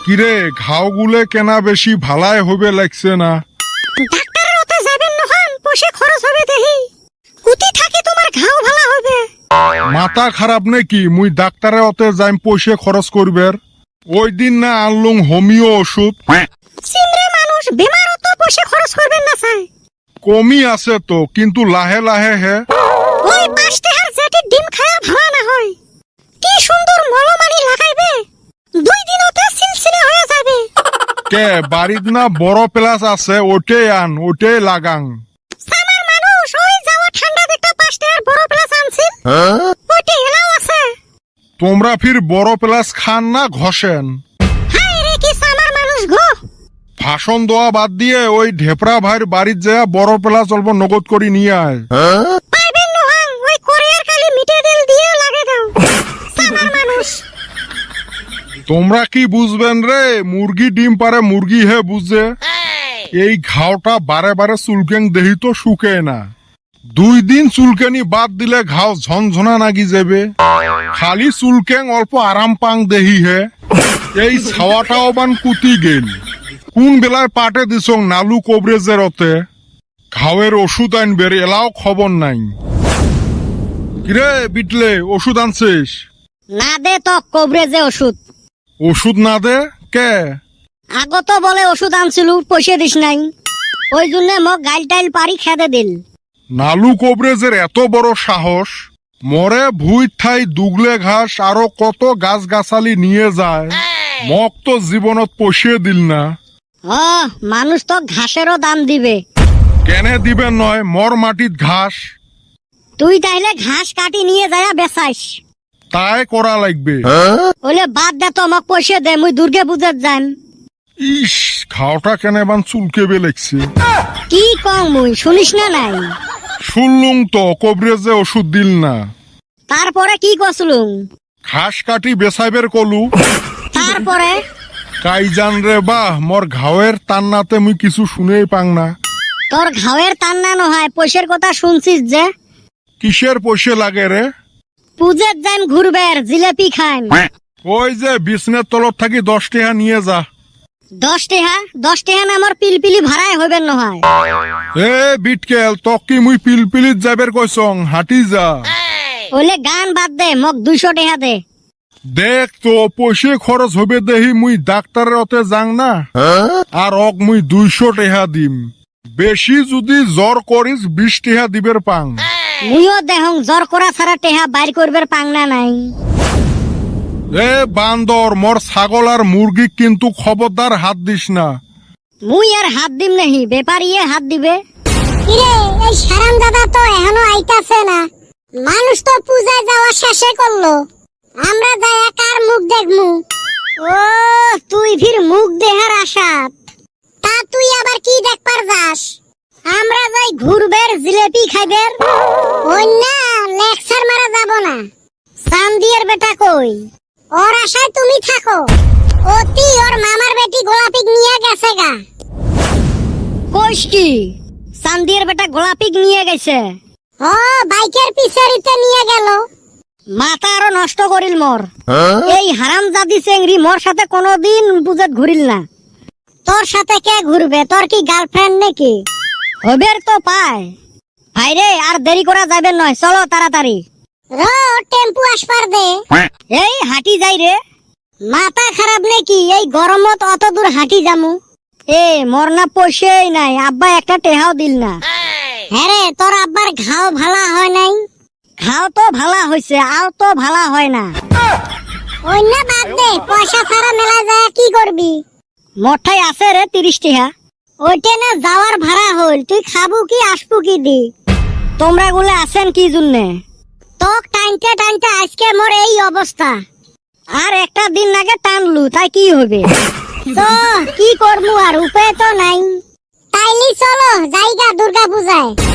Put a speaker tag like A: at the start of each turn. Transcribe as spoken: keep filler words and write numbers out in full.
A: কিরে ঘাওগুলে কেনা বেশি ভালাই হবে লাগছে না?
B: ডাক্তারের ওতে যাবেন নহন, পয়সা খরচ হবে দেহি। কুতি থাকি তোমার ঘাও ভালো হবে।
A: মাথা খারাপ নাকি? মুই ডাক্তারের ওতে যাইম পয়সা খরচ করবের? ওই দিন না আনলুম হোমিও ওষুধ।
B: সিমরে মানুষ বেমারও তো পয়সা খরচ করবেন না চাই।
A: কমি আছে তো, কিন্তু লাহে লাহে হে।
B: ওই পাঁচ টাকার জেটি ডিম খায়া ভালো না হয়। কি সুন্দর মলমানি লাগাইবে, দুই দিনতে সিলসিলে হয়ে যাবে।
A: কে বাড়িত না বড় প্লাস আছে, ওটাই আন, ওটাই লাগাং।
B: সামার মানুষ ওই যাওয়া ঠান্ডা দেখতে পাঁচ টাকার বড় প্লাস আনছিল, ওটাই এলাও আছে।
A: তোমরা ফির বড় প্লাস খান না ঘষেন?
B: হাই রে কি সামার মানুষ গো।
A: ভাষণ দেওয়া বাদ দিয়ে ওই ঢেপরা ভাইয়ের বাড়ির যা বড় প্লাস অল্প নগদ করে নিয়ে আয়।
B: পাইবেন নোহাং, ওই কোরিয়ার কালি মিটে দিল দিয়ে লাগে দাও সামার মানুষ।
A: তোমরা কি বুঝবেন রে? মুরগি ডিম পারে মুরগি হে বুঝে। এই ঘাওটা বারে বারে চুলকেং দেহি তো শুকে না। দুই দিন চুলকেনি বাদ দিলে ঘাও ঝনঝনা নাগি যাবে। খালি চুলকেং অল্প আরাম পাং দেহি হে। এই ছাওয়াটাও বান কুতি গেল। কোন বেলায় পাটে দিছং নালু কবরেজের ওতে। ঘাওয়ের ওষুধ আনবের এলাও খবর নাই। কিরে বিটলে, ওষুধ আনছিস?
B: না দে তো কবরেজে ওষুধ।
A: ওষুধ না দে কে?
B: আগত বলে ওষুধ আনছিল, পয়সা দিস নাই, ওই জন্য মোক গাইল টাইল পারি খেদে দিল।
A: নালু কবরেজের এত বড় সাহস, মরে ভুই ঠাই দুগলে ঘাস আরো কত গাছ গাছালি নিয়ে যায়, মক তো জীবনত পয়সা দিল না।
B: ও মানুষ তো ঘাসেরও দাম দিবে।
A: কেনে দিবেন নয়, মর মাটিত ঘাস।
B: তুই তাইলে ঘাস কাটি নিয়ে যায় বেচাইস,
A: তাই করা লাগবে।
B: ওলে বাদ দে তো, মোক পয়সা দে, মুই দুর্গে পূজার যাম।
A: ইস, খাওটা কেনে বান চুলকেবে লাগছে।
B: কি কম মুই শুনিস না নাই?
A: শুনলুম তো কবরেজে ওষুধ দিল না।
B: তারপরে কি কসলুম?
A: ঘাস কাটি বেচাইবের কলু।
B: তারপরে
A: কাই জান রে বাহ, মোর ঘাওয়ের তান্নাতে মুই কিছু শুনেই পাং না।
B: তোর ঘাওয়ের তান্না নয়, পয়সার কথা শুনছিস যে।
A: কিসের পয়সা লাগে রে?
B: পূজার যাইম ঘুরবের, জিলেপি খাইম।
A: ওই যে বিছনের তলত থাকি দশ টাকা নিয়ে যা।
B: দশ টাকা? দশ টাকা না আমার পিলপিলি ভাড়াই হইবেন নহয়।
A: এ বিটকেল, তক কি মুই পিলপিলিত যাবের কইছং, হাঁটি যা।
B: ওলে গান বাদ দে, মোক দুইশো টাকা দে।
A: দেখ তো পয়সা খরচ হবে দেহি মুই ডাক্তারের ওতে যাং না, আর অক মুই দুইশো টাকা দিম। বেশি যদি জ্বর করিস বিশ টাকা দিবের পাং।
B: মুইও দেহং জ্বর করা ছাড়া টেহা বাইর করবার পাংনা নাই।
A: এ বান্দর, মোর ছাগল আর মুরগি কিন্তু খবরদার হাত দিস না।
B: মুই আর হাত দিম নাহি, বেপারিয়ে হাত দিবে।
C: কিরে, এই সারাম দাদা তো এখনো আইতাছে না। মানুষ তো পূজায় যাওয়া শেষে করলো, আমরা যাই কার মুখ দেখমু?
B: ও তুই ফির মুখ দেহার আশাত।
C: তা তুই আবার কি দেখবার যাস?
B: আমরা যাই ঘুরবের, জিলেপি খাইবের।
C: ওই না, লেকচার মারা যাব না।
B: চান্দিয়ের বেটা কই?
C: ওর আশায় তুমি থাকো। অতি ওর মামার বেটি গোলাপি নিয়ে গেছে গা।
B: কইস কি? চান্দিয়ের বেটা গোলাপিক নিয়ে গেছে?
C: ও বাইকের পিছারিতে নিয়ে গেল।
B: মাথা আরো নষ্ট করিল মোর। এই হারাম জাদি চেংড়ি মোর সাথে কোনোদিন পূজাত ঘুরিল না।
C: তোর সাথে কে ঘুরবে? তোর কি গার্লফ্রেন্ড নাকি?
B: হবের তো পায়। ভাইরে আর দেরি করা যাবে নয়, চলো তাড়াতাড়ি।
C: র টেম্পু আসবার দে।
B: এই হাঁটি যাই রে।
C: মাথা খারাপ নাকি? এই গরমত অত দূর হাঁটি যামু?
B: এ মোর না পয়সাই নাই, আব্বা একটা টেহাও দিল না।
C: হ্যাঁ রে, তোর আব্বার ঘাও ভালা হয় নাই?
B: খাও তো ভালা হইছে, আও তো ভালা হয় না।
C: ওই না বাদ দে, পয়সা ছাড়া মেলা যায় কি করবি?
B: মোঠাই আছে রে তিরিশ টাকা।
C: ওইটা না যাওয়ার ভাড়া হল, তুই খাবু কি আসবু কি দি?
B: তোমরা গুলো আছেন কি জন্যে?
C: তোক টাইনতে টাইনতে আজকে মোর এই অবস্থা।
B: আর একটা দিন আগে টানলু, তাই কি হবে?
C: তো কি করবো, আর উপায় তো নাই। তাইলি চলো জায়গা দুর্গা পূজায়।